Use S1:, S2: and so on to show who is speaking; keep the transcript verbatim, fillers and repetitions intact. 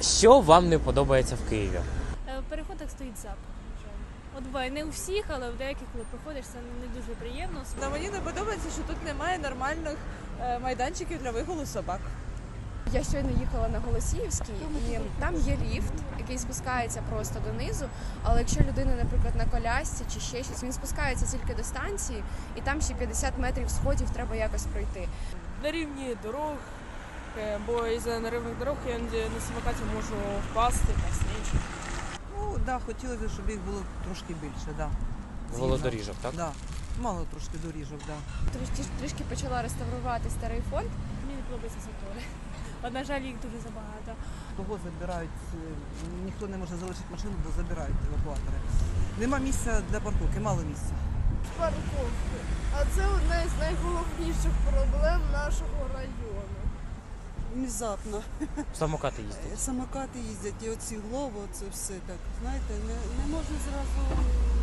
S1: Що вам не подобається в Києві?
S2: В переходах стоїть запах. на жаль. От буває не у всіх, але в деяких, коли проходиш, це не дуже приємно.
S3: Та мені не подобається, що тут немає нормальних е, майданчиків для вигулу собак.
S4: Я щойно їхала на Голосіївський, і там є ліфт, який спускається просто донизу, але якщо людина, наприклад, на колясці чи ще щось, він спускається тільки до станції, і там ще п'ятдесят метрів сходів треба якось пройти.
S5: На рівні дорог, е, бо із-за неривних дорог я іноді на самокаті можу впасти та снічі.
S6: Ну, да, хотілося, щоб їх було трошки більше, да.
S1: Велодоріжок, так?
S6: Да. Мало трошки доріжок, да.
S4: Трішки, трішки почала реставрувати старий фонд.
S2: Мені не подобається затори. От, на жаль, їх дуже забагато.
S6: Того забирають, е, ніхто не може залишити машину, бо забирають евакуатори. Нема місця для парковки, мало місця.
S7: Парковки. А це одна із найголовніших проблем нашого району.
S8: Внезапно.
S1: Самокати їздять.
S8: Самокати їздять, і оці глово, це все так. Знаєте, не, не можна зразу